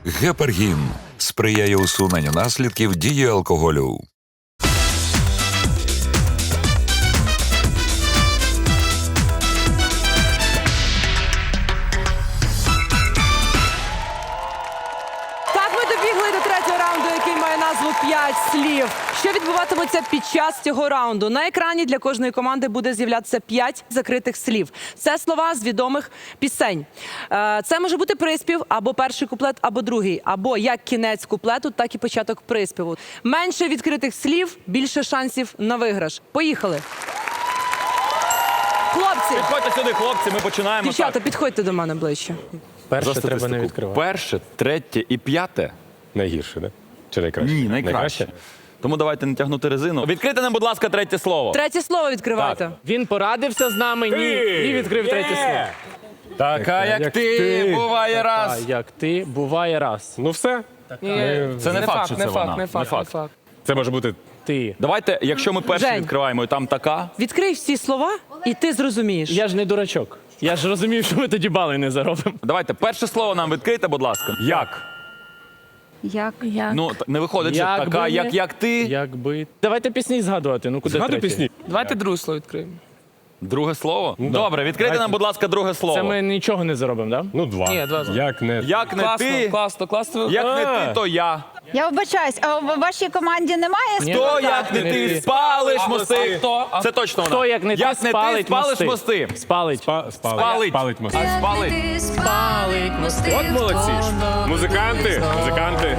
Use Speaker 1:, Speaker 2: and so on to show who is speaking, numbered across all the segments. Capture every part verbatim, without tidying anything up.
Speaker 1: Гепаргін сприяє усуненню наслідків дії алкоголю.
Speaker 2: Так, ми добігли до третього раунду, який має назву «п'ять слів». Що відбуватиметься під час цього раунду? На екрані для кожної команди буде з'являтися п'ять закритих слів. Це слова з відомих пісень. Е, Це може бути приспів, або перший куплет, або другий, або як кінець куплету, так і початок приспіву. Менше відкритих слів, більше шансів на виграш. Поїхали. Хлопці,
Speaker 3: Підходьте сюди, хлопці, ми починаємо.
Speaker 2: дівчата,
Speaker 3: так.
Speaker 2: підходьте до мене ближче.
Speaker 4: Перше
Speaker 3: За
Speaker 4: треба не
Speaker 3: статистику.
Speaker 4: відкривати.
Speaker 3: Перше, третє і п'яте.
Speaker 4: Найгірше, да? Чи найкраще?
Speaker 3: Ні, найкраще. Тому давайте не тягнути резину. Відкрийте нам, будь ласка, третє слово.
Speaker 2: Третє слово відкривайте.
Speaker 5: Він порадився з нами, ні, і відкрив третє слово.
Speaker 3: Така, як, ти, буває раз.
Speaker 5: А як ти, буває раз.
Speaker 4: Ну все.
Speaker 3: Це не, факт, що це вона.
Speaker 5: не факт, не факт.
Speaker 4: Це може бути
Speaker 5: Ти.
Speaker 3: Давайте, якщо ми перше
Speaker 2: Жень.
Speaker 3: відкриваємо, і там така.
Speaker 2: Відкрий всі слова, і ти зрозумієш.
Speaker 5: Я ж не дурачок. Я ж розумів, що ми тоді бали не заробимо.
Speaker 3: Давайте, перше слово нам відкрийте, будь ласка. Як?
Speaker 6: Як? Як?
Speaker 3: Ну, т- не виходить, що
Speaker 5: Як
Speaker 3: така,
Speaker 5: би
Speaker 3: як,
Speaker 5: не-
Speaker 3: як ти.
Speaker 5: Якби. Давайте пісні згадувати. Ну куди
Speaker 4: згадуй
Speaker 5: третє?
Speaker 4: пісні.
Speaker 7: Давайте друге слово відкриємо.
Speaker 3: Друге слово? Добре, відкрийте нам, будь ласка, друге слово.
Speaker 5: Це ми нічого не заробимо, так? Да?
Speaker 4: Ну, два.
Speaker 7: Ні, два.
Speaker 4: Як не...
Speaker 3: Як не
Speaker 7: Класно,
Speaker 3: ти,
Speaker 7: класно, класно.
Speaker 3: як не
Speaker 5: А.
Speaker 3: ти, то я.
Speaker 6: Я вибачаюсь, а в вашій команді немає
Speaker 5: Ні.
Speaker 3: То,
Speaker 6: співака?
Speaker 3: як не
Speaker 5: Не
Speaker 3: ти,
Speaker 5: ти.
Speaker 3: спалиш
Speaker 7: А
Speaker 3: мости.
Speaker 7: хто? А
Speaker 3: Це точно вона.
Speaker 5: Хто, як не ти,
Speaker 3: як не ти,
Speaker 5: спалить
Speaker 3: спалиш
Speaker 5: мости.
Speaker 3: мости.
Speaker 5: Спалить.
Speaker 4: Спа- спалить.
Speaker 3: Спалить.
Speaker 4: Спалить мости.
Speaker 3: А спалить.
Speaker 5: Спалить мости.
Speaker 4: От молодці. Музиканти. Музиканти.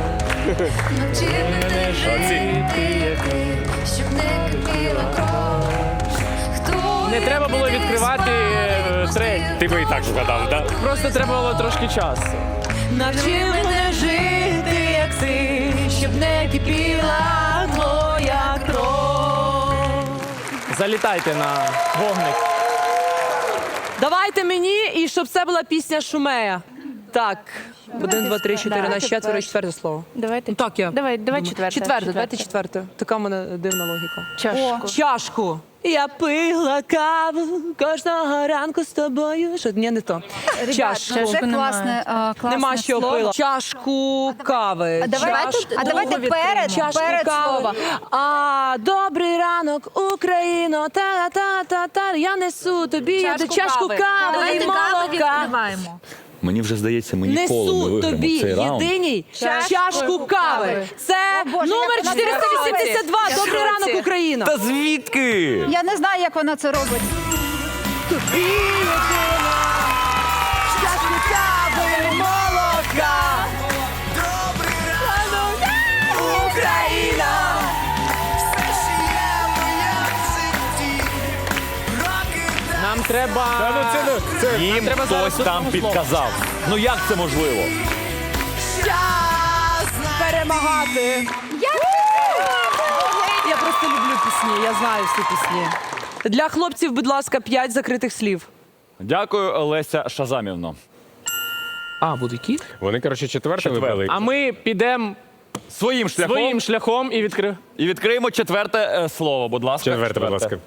Speaker 4: Молодці.
Speaker 8: Щоб не кипіла кров. Хто
Speaker 5: Не треба було відкривати е, третє.
Speaker 4: Ти би і так згадав, так?
Speaker 5: Просто треба було трошки часу.
Speaker 2: Навчи мене жити, як ти, щоб не кипіла твоя кров.
Speaker 5: Залітайте на вогник.
Speaker 2: Давайте мені, і щоб це була пісня Шумея. Так, один, два, три, чотири,
Speaker 6: Да,
Speaker 2: на четверо,
Speaker 6: тепер.
Speaker 2: четверте слово.
Speaker 6: Давайте.
Speaker 2: Ну, так я.
Speaker 6: Давай, давай
Speaker 2: думаю.
Speaker 6: четверте.
Speaker 2: Четверте, давайте четверте. Така в мене дивна логіка.
Speaker 6: Чашку.
Speaker 2: Чашку. Я пила каву кожного ранку з тобою. Що, ні, не то. Чашку.
Speaker 6: Це вже класне, а, класне
Speaker 2: Нема що
Speaker 6: слово.
Speaker 2: пила. Чашку кави.
Speaker 6: А давайте,
Speaker 2: Чашку
Speaker 6: а давайте перед,
Speaker 2: Чашку
Speaker 6: перед
Speaker 2: кави.
Speaker 6: слова.
Speaker 2: А, добрий ранок, Україно, та-та-та-та, я несу тобі я
Speaker 6: Чашку
Speaker 2: чашку
Speaker 6: кави.
Speaker 2: кави і
Speaker 6: Давайте каву
Speaker 2: молока.
Speaker 6: відкриваємо.
Speaker 3: Мені вже здається, ми ніколи не
Speaker 2: Несу
Speaker 3: виграємо
Speaker 2: тобі
Speaker 3: цей раунд.
Speaker 2: єдиній
Speaker 6: Чашку
Speaker 2: чашку кави.
Speaker 6: кави.
Speaker 2: Це
Speaker 6: О, Боже,
Speaker 2: номер
Speaker 6: як вона
Speaker 2: чотириста вісімдесят два.
Speaker 6: Я в
Speaker 2: Добрий
Speaker 6: шоці.
Speaker 2: ранок, Україна.
Speaker 3: Та звідки?
Speaker 6: Я не знаю, як вона це робить.
Speaker 2: Тобі єдина чашку кави і молока. Добрий ранок, Україна.
Speaker 5: Нам треба.
Speaker 3: Їм
Speaker 5: треба зараз
Speaker 3: хтось там
Speaker 5: одному слову.
Speaker 3: підказав. Ну як це можливо?
Speaker 2: Час перемагати. Я просто люблю пісні, я знаю всі пісні. Для хлопців, будь ласка, п'ять закритих слів.
Speaker 3: Дякую, Леся Шазамівно.
Speaker 7: А, буде кіт?
Speaker 4: Вони, коротше, четверте
Speaker 3: Четверте.
Speaker 4: вибрали.
Speaker 5: А ми підемо
Speaker 3: Своїм шляхом
Speaker 5: своїм шляхом і відкрив.
Speaker 3: і відкриємо четверте е, слово, будь ласка.
Speaker 4: Четверте, будь ласка.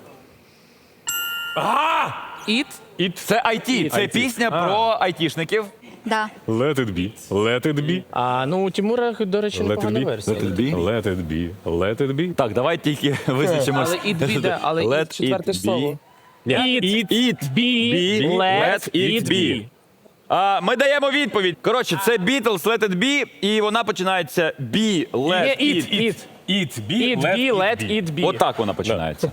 Speaker 7: Іт?
Speaker 3: І це ай ті, це
Speaker 4: ай ті.
Speaker 3: пісня
Speaker 4: А.
Speaker 3: про айтішників.
Speaker 6: Да.
Speaker 4: Let it be. Let it be.
Speaker 5: А ну у Тимура, до речі,
Speaker 4: Let it
Speaker 5: непогана
Speaker 4: be.
Speaker 5: версія.
Speaker 3: Let it be.
Speaker 4: Let it be. Let it be.
Speaker 3: Так, давай тільки визначимось.
Speaker 7: Але іт біде, але
Speaker 3: Let
Speaker 7: іт четверте
Speaker 3: it
Speaker 7: слово.
Speaker 3: be.
Speaker 5: Eat,
Speaker 3: Eat,
Speaker 5: be,
Speaker 3: be,
Speaker 5: let it be.
Speaker 3: А, ми даємо відповідь. Коротше, це Beatles, Let it be, і вона починається be, let
Speaker 5: Є
Speaker 3: it.
Speaker 5: eat, eat.
Speaker 4: Eat be.
Speaker 5: Eat be, let it be.
Speaker 3: Отак вона починається.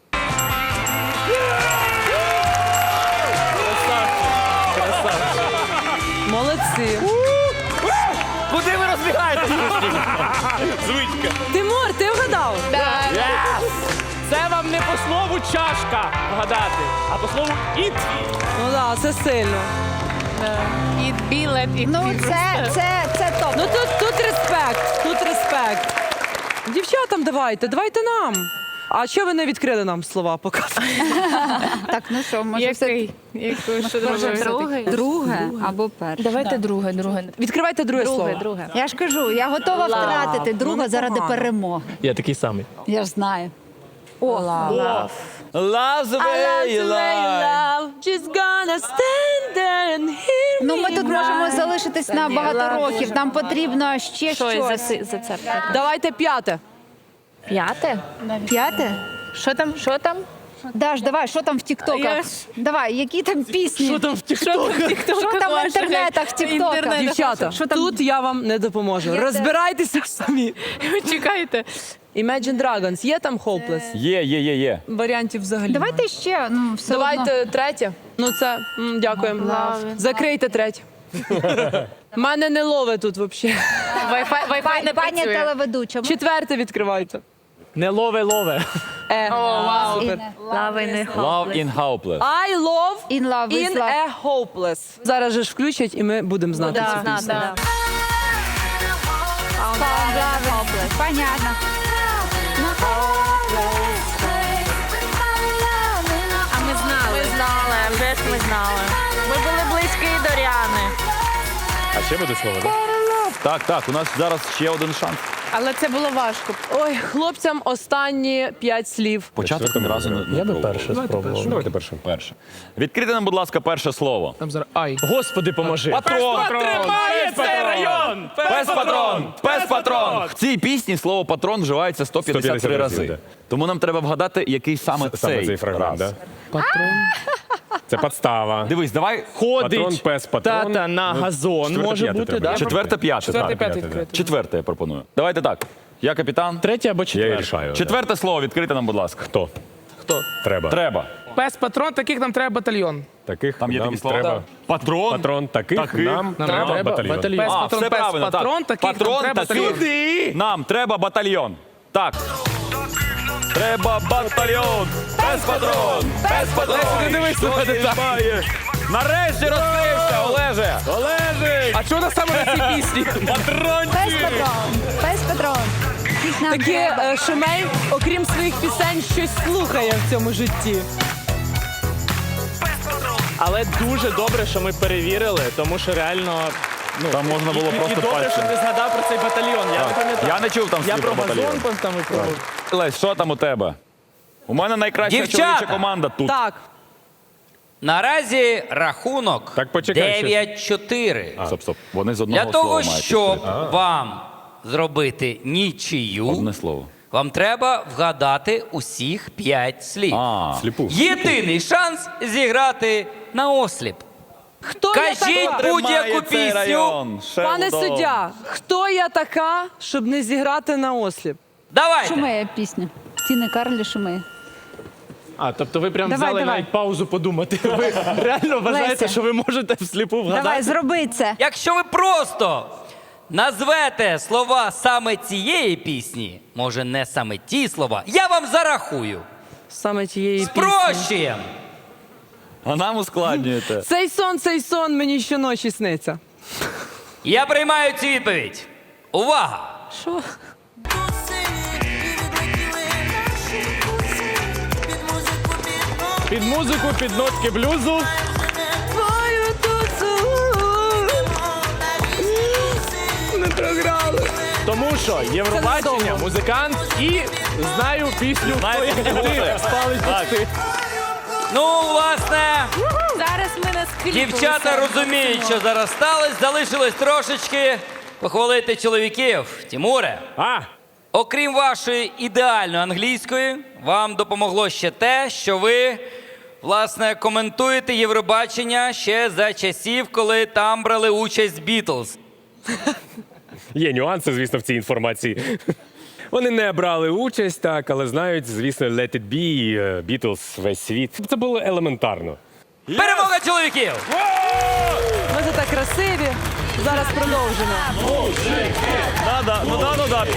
Speaker 2: Молодці.
Speaker 3: Куди ви розбігаєтесь?
Speaker 4: Звичка.
Speaker 2: Тимур, ти вгадав?
Speaker 5: Yes! Це вам не по слову чашка вгадати, а по слову eat.
Speaker 2: Ну так, це сильно.
Speaker 7: Іт бі, лет іт
Speaker 6: Ну,
Speaker 7: бі.
Speaker 6: це, це, це топ.
Speaker 2: Ну тут, тут респект, тут респект. Дівчатам давайте, давайте нам. А що ви не відкрили нам слова поки?
Speaker 6: Так, ну що, може все...
Speaker 7: Який? Яку, що
Speaker 6: Може,
Speaker 7: друге?
Speaker 6: друге? Друге або перше.
Speaker 7: Давайте друге, друге.
Speaker 2: Відкривайте друге, слово.
Speaker 7: друге.
Speaker 6: Я ж кажу, я готова втратити друга заради перемоги.
Speaker 5: Я такий самий.
Speaker 6: Я ж знаю. О,
Speaker 7: Лав.
Speaker 3: Love the
Speaker 2: I love
Speaker 3: way you
Speaker 2: the way you
Speaker 3: lie.
Speaker 2: love. She's gonna stand there and hear
Speaker 6: Ну, ми
Speaker 2: me
Speaker 6: тут
Speaker 2: cry.
Speaker 6: можемо залишитись на багато років. Нам потрібно ще
Speaker 7: Щось
Speaker 6: щось.
Speaker 7: заси- зацепити.
Speaker 2: Давайте п'яте.
Speaker 7: П'яте?
Speaker 6: П'яте?
Speaker 7: Що там? Що там?
Speaker 6: Даш, давай, що там в
Speaker 7: Я
Speaker 6: тіктоках?
Speaker 7: ж-
Speaker 6: Давай, які там пісні?
Speaker 5: Що там в тіктоках?
Speaker 6: Що там в інтернетах, в тіктоках?
Speaker 2: Дівчата,
Speaker 6: Що там?
Speaker 2: тут я вам не допоможу.
Speaker 6: Я
Speaker 2: Розбирайтеся самі.
Speaker 7: Чекайте.
Speaker 2: Imagine Dragons, є там Hopeless?
Speaker 3: Є, є, є, є.
Speaker 2: Варіантів взагалі.
Speaker 6: Давайте ще, ну, все одно.
Speaker 2: Давайте третє. Ну це м, дякуємо. Закрийте третє. Мене не ловить тут взагалі.
Speaker 7: Wi-Fi, Wi-Fi не
Speaker 6: Пані
Speaker 7: працює.
Speaker 6: телеведуча. ми-
Speaker 2: Четверте відкривайте.
Speaker 5: Не лове, лове.
Speaker 2: Е. Супер.
Speaker 3: Love in Hopeless.
Speaker 2: I love
Speaker 6: In love with
Speaker 2: in
Speaker 6: love.
Speaker 2: a hopeless. Зараз же ж включать і ми будемо знати цю пісню.
Speaker 6: Понятно.
Speaker 7: А ми знали. Ми знали, вже ж ми знали. Ми були близькі до Ріани.
Speaker 4: А ще буде слово, так?
Speaker 3: Так, так, у нас зараз ще один шанс.
Speaker 7: Але це було важко.
Speaker 2: Ой, хлопцям останні п'ять слів.
Speaker 3: Початок ні разу не, не
Speaker 4: Я би
Speaker 3: пробував.
Speaker 4: перше спробував. Давайте перше.
Speaker 3: Перше. Відкрийте нам, будь ласка, перше слово.
Speaker 5: Там зараз ай. Господи, поможи.
Speaker 3: Патрон!
Speaker 5: Тримає цей район!
Speaker 3: Пес патрон! Пес патрон! В цій пісні слово патрон вживається сто п'ятдесят три
Speaker 4: сто п'ятдесят
Speaker 3: рази.
Speaker 4: разів,
Speaker 3: Тому нам треба вгадати, який саме
Speaker 4: Саме
Speaker 3: цей,
Speaker 4: цей фрагмент,
Speaker 3: раз.
Speaker 4: так? Це підстава.
Speaker 3: Дивись, давай
Speaker 5: Ходить
Speaker 4: Патрон, пес, патрон.
Speaker 5: тата на
Speaker 4: Ну,
Speaker 5: газон.
Speaker 4: четверте,
Speaker 5: Може
Speaker 4: п'яте
Speaker 5: бути,
Speaker 4: треба.
Speaker 5: так?
Speaker 3: четверте, п'яте.
Speaker 5: Четверте,
Speaker 3: так.
Speaker 5: п'яте
Speaker 4: п'яте,
Speaker 5: відкрити.
Speaker 3: Четверте я пропоную. Давайте так. Я капітан.
Speaker 5: Третє або
Speaker 4: Я
Speaker 5: четверте.
Speaker 4: рішаю. да.
Speaker 3: Четверте слово відкрите нам, будь ласка.
Speaker 4: Хто?
Speaker 5: Хто?
Speaker 4: Треба.
Speaker 3: Треба.
Speaker 5: Пес патрон, таких нам треба батальйон.
Speaker 4: Таких
Speaker 3: Там є
Speaker 4: нам
Speaker 3: такі слова.
Speaker 4: треба.
Speaker 3: Патрон.
Speaker 4: Патрон таких,
Speaker 3: Таких
Speaker 4: нам
Speaker 5: Нам
Speaker 4: треба
Speaker 5: треба
Speaker 4: батальйон.
Speaker 5: батальйон. Пес
Speaker 3: А,
Speaker 5: патрон,
Speaker 3: все
Speaker 5: пес
Speaker 3: правильно.
Speaker 5: патрон,
Speaker 3: так.
Speaker 5: таких
Speaker 3: патрон,
Speaker 5: нам треба
Speaker 3: таких.
Speaker 5: батальйон.
Speaker 3: Нам треба батальйон. Так. Треба батальйон. Пес патрон. Пес патрон.
Speaker 5: Леся, не дивись
Speaker 3: Що
Speaker 5: на мене
Speaker 3: ти
Speaker 5: так.
Speaker 3: маєш? Нарешті розкрився, Олеже.
Speaker 5: Олежик! А чого у нас саме на цій пісні?
Speaker 6: Пес патрон. Пес патрон. Їх нам
Speaker 2: Такі
Speaker 6: треба.
Speaker 2: е, Шумей, окрім своїх пісень, щось слухає в цьому житті.
Speaker 5: Але дуже добре, що ми перевірили, тому що реально. Ну,
Speaker 3: Там можна було
Speaker 5: і,
Speaker 3: просто
Speaker 5: і добре,
Speaker 3: пальцем.
Speaker 5: що ти згадав про цей батальйон. Я не пам'ятаю.
Speaker 3: Я не чув там
Speaker 5: Я
Speaker 3: слів
Speaker 5: про
Speaker 3: про батальйон.
Speaker 5: газон там і про.
Speaker 3: Лесь, що там у тебе? У мене найкраща
Speaker 9: Дівчата!
Speaker 3: чоловіча команда тут.
Speaker 2: Так,
Speaker 9: Наразі рахунок
Speaker 4: Так, почекай, ще.
Speaker 9: дев'ять чотири.
Speaker 3: Стоп, стоп. Вони з одного
Speaker 9: Для
Speaker 3: слова
Speaker 9: того,
Speaker 3: мають
Speaker 9: щоб
Speaker 3: відкрити.
Speaker 9: вам зробити нічию,
Speaker 3: Одне слово.
Speaker 9: вам треба вгадати усіх п'ять слів.
Speaker 3: А,
Speaker 4: Сліпу.
Speaker 9: Єдиний шанс зіграти на осліп.
Speaker 2: хто
Speaker 9: Кажіть
Speaker 2: я така?
Speaker 9: будь-яку
Speaker 3: Тримає цей
Speaker 9: пісню.
Speaker 3: район.
Speaker 2: Пане
Speaker 3: Шелдон.
Speaker 2: суддя, хто я така, щоб не зіграти на осліп?
Speaker 9: Давайте.
Speaker 6: Шумеє пісня. Тіни Карлі шумеє.
Speaker 5: А, тобто ви прям
Speaker 6: Давай,
Speaker 5: взяли
Speaker 6: давай.
Speaker 5: навіть паузу подумати. Ви реально вважаєте,
Speaker 6: Леся.
Speaker 5: що ви можете всліпу вгадати?
Speaker 6: Давай, зроби це.
Speaker 9: Якщо ви просто назвете слова саме цієї пісні, може не саме ті слова, я вам зарахую.
Speaker 2: Саме тієї пісні.
Speaker 9: Спрощуємо.
Speaker 3: А нам ускладнюєте.
Speaker 2: Цей сон, цей сон мені щоночі сниться.
Speaker 9: Я приймаю цю відповідь. Увага!
Speaker 2: Що?
Speaker 5: Під музику, під нотки блюзу.
Speaker 2: Твою туцу не програли.
Speaker 5: Тому що Євробачення,
Speaker 2: Це не
Speaker 5: музикант і знаю пісню «Хто як не ти» спалить пусти.
Speaker 9: Ну, власне,
Speaker 7: Зараз ми на скріпку.
Speaker 9: дівчата розуміють, що зараз сталося. Залишилось трошечки похвалити чоловіків. Тімуре,
Speaker 4: А!
Speaker 9: окрім вашої ідеальної англійської, вам допомогло ще те, що ви, власне, коментуєте Євробачення ще за часів, коли там брали участь Бітлз.
Speaker 4: Є нюанси, звісно, в цій інформації. Вони не брали участь, так, але знають, звісно, Let It Be, е, Beatles, весь світ. Це було елементарно.
Speaker 9: Перемога чоловіків!
Speaker 2: Ми тут так красиві. Зараз продовжимо.
Speaker 3: Да, да, ну да, ну да.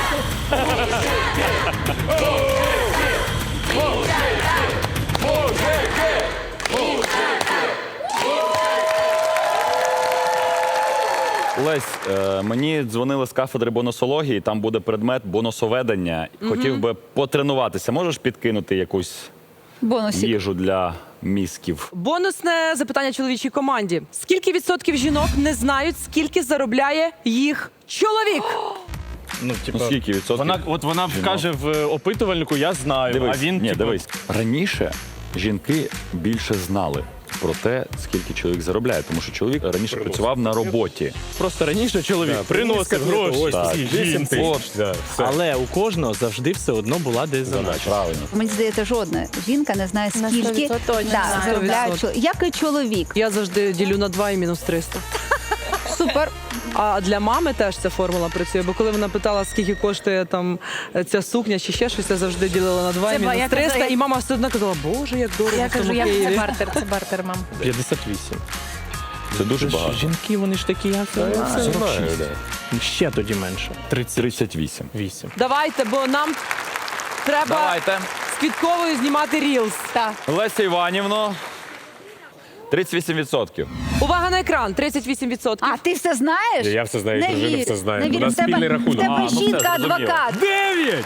Speaker 3: Лесь, е, мені дзвонили з кафедри бонусології, там буде предмет бонусоведення. Хотів би потренуватися. Можеш підкинути якусь
Speaker 6: Бонусик.
Speaker 3: їжу для мізків?
Speaker 2: Бонусне запитання чоловічій команді. Скільки відсотків жінок не знають, скільки заробляє їх чоловік?
Speaker 10: Ну, типу,
Speaker 3: Ну, скільки відсотків?
Speaker 10: Вона, от вона
Speaker 3: жінок?
Speaker 10: каже в опитувальнику, я знаю,
Speaker 3: Дивись,
Speaker 10: а він,
Speaker 3: ні,
Speaker 10: типу,
Speaker 3: дивись. Раніше жінки більше знали про те, скільки чоловік заробляє, тому що чоловік раніше працював на роботі.
Speaker 10: просто раніше чоловік приносив гроші.
Speaker 3: Так.
Speaker 4: вісім тисяч. Да, все.
Speaker 10: Але у кожного завжди все одно була десь задача.
Speaker 3: Правильно.
Speaker 6: Мені здається, жодна жінка не знає,
Speaker 7: На
Speaker 6: скільки
Speaker 7: сто відсотків точно
Speaker 6: да,
Speaker 7: знає.
Speaker 6: заробляє
Speaker 2: сто
Speaker 6: чоловік. Як і чоловік.
Speaker 2: Я завжди ділю на два і мінус триста.
Speaker 6: Супер.
Speaker 2: А для мами теж ця формула працює, бо коли вона питала, скільки коштує там ця сукня чи ще щось, я завжди ділила на два і
Speaker 7: Це ба- я
Speaker 2: мінус
Speaker 7: казала,
Speaker 2: триста,
Speaker 7: я-
Speaker 2: і мама все одно казала, боже, як дорого
Speaker 7: Я
Speaker 2: в цьому
Speaker 7: кажу, я
Speaker 2: Києві.
Speaker 7: це бартер, це бартер, мам.
Speaker 10: п'ятдесят вісім.
Speaker 3: Це дуже багато.
Speaker 10: Жінки, вони ж такі, як сорок шість. Ще тоді менше. тридцять
Speaker 3: тридцять вісім.
Speaker 10: вісім.
Speaker 2: Давайте, бо нам треба
Speaker 3: Давайте.
Speaker 2: з Квітковою знімати рілс.
Speaker 6: Так.
Speaker 3: Леся Іванівно, тридцять вісім відсотків.
Speaker 2: Увага на екран, тридцять вісім відсотків.
Speaker 6: А ти все знаєш?
Speaker 4: Я все знаю,
Speaker 6: Не
Speaker 4: дружина
Speaker 6: вірю.
Speaker 4: все знає.
Speaker 6: Не
Speaker 4: У
Speaker 6: вірю.
Speaker 4: нас
Speaker 6: В тебе-
Speaker 4: спільний рахунок.
Speaker 6: В тебе
Speaker 4: А, ну все,
Speaker 6: жінка
Speaker 4: зрозуміло.
Speaker 6: адвокат.
Speaker 4: Дев'ять!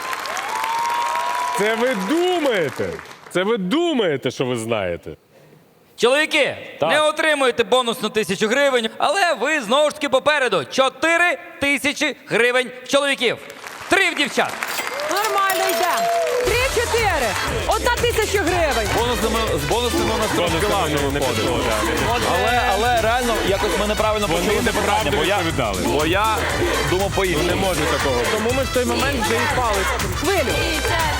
Speaker 4: Це ви думаєте? Це ви думаєте, що ви знаєте?
Speaker 9: Чоловіки,
Speaker 3: Так.
Speaker 9: не отримуєте бонусну тисячу гривень, але ви знову ж таки попереду. Чотири тисячі гривень в чоловіків. Три в дівчат.
Speaker 2: Нормально йде. Три-чотири. Одна тисяча гривень.
Speaker 3: Бонусними, з бонусними у нас трошки важко виходить. Але, але реально якось ми неправильно
Speaker 4: Вони
Speaker 3: почали це питання,
Speaker 4: неправильно
Speaker 3: бо я,
Speaker 4: відповідали.
Speaker 3: бо я думав по-іншому.
Speaker 4: Не може такого.
Speaker 10: Тому ми в той момент вже і впали.
Speaker 2: Хвилю.
Speaker 7: І це